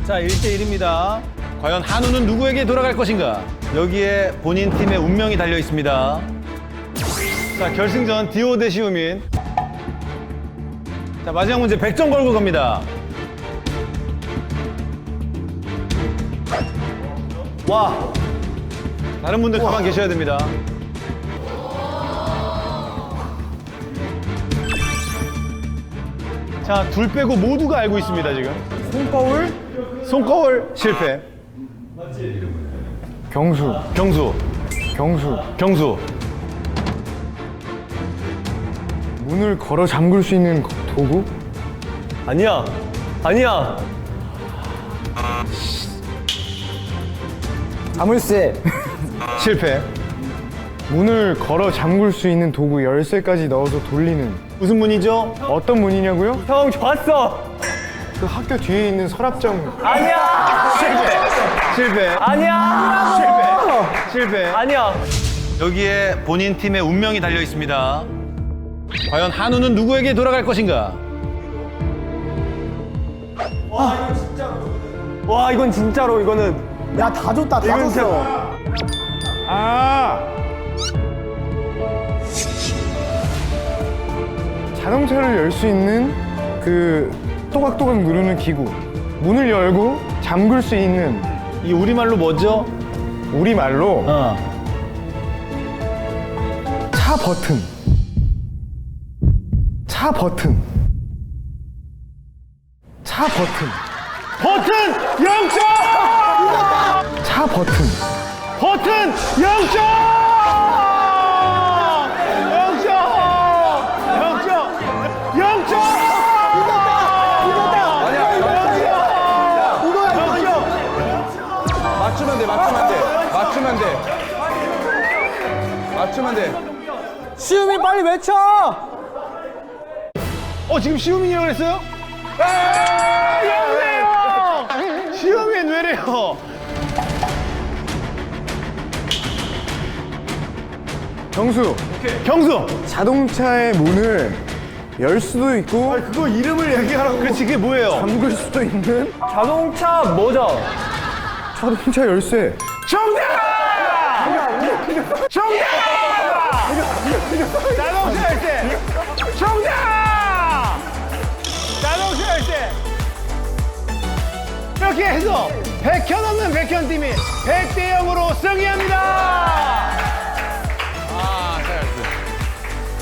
자, 1대1입니다. 과연 한우는 누구에게 돌아갈 것인가? 여기에 본인 팀의 운명이 달려 있습니다. 자, 결승전 디오 대 시우민. 자, 마지막 문제 100점 걸고 갑니다. 와, 다른 분들 가만 계셔야 됩니다. 자, 둘 빼고 모두가 알고 있습니다, 지금. 손거울? 손거울 실패. 경수. 경수. 경수. 경수. 문을 걸어 잠글 수 있는 도구? 아니야. 아니야. 자물쇠. 실패. 문을 걸어 잠글 수 있는 도구 열쇠까지 넣어서 돌리는. 무슨 문이죠? 어떤 문이냐고요? 형, 좋았어. 그 학교 뒤에 있는 서랍장. 아니야. 실패. 아니야. 실패. 아니야. 여기에 본인 팀의 운명이 달려 있습니다. 과연 한우는 누구에게 돌아갈 것인가? 와 이건 진짜로 이거는 야, 다 줬다, 다 줬어. 아! 자동차를 열 수 있는 그 또각또각 누르는 기구. 문을 열고 잠글 수 있는 이 우리말로 뭐죠? 우리말로 차 버튼. 차 버튼. 차 버튼. 버튼 0점! 차 버튼. 버튼 0점! 0점! 0점! 0점! 맞추면 돼 맞추면 돼 맞추면 돼 맞추면 돼 시우미 빨리 외쳐 지금 시우민이라고 그랬어요? 아, 여보세요! 시우민 왜래요? 경수. 경수! 자동차의 문을 열 수도 있고 그거 이름을 얘기하라고. 그렇지, 그게 뭐예요? 잠글 수도 있는 자동차 뭐죠? 자동차 열쇠. 정답! 정답! 자동차 열쇠! 정답! 자동차 열쇠! 이렇게 해서 100현 없는 백현팀이 100대 0으로 승리합니다!